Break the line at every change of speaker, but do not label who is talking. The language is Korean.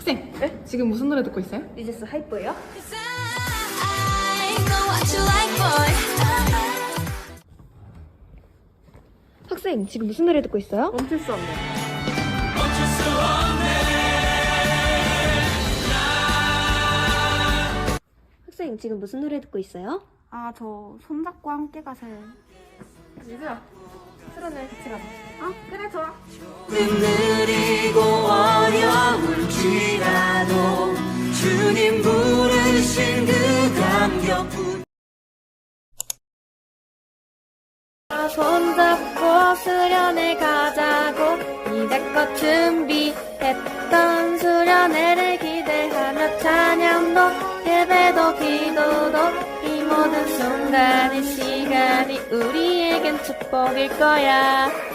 학생,
네?
지금 무슨 노래 듣고 있어요?
리제스 하이퍼예요? 학생, 지금 무슨 노래 듣고 있어요?
멈출 수 없네.
학생, 지금 무슨 노래 듣고 있어요?
아, 저 손잡고 함께 가세요.
미주야, 술한잔 같이 가자.
그래, 좋아.
느리고 어려울지라도 주님 부르신 그 감격
손잡고 수련회 가자고 이제껏 준비했던 수련회를 기대하며 찬양도 예배도 기도도 이 모든 순간의 시간이 우리에겐 축복일 거야.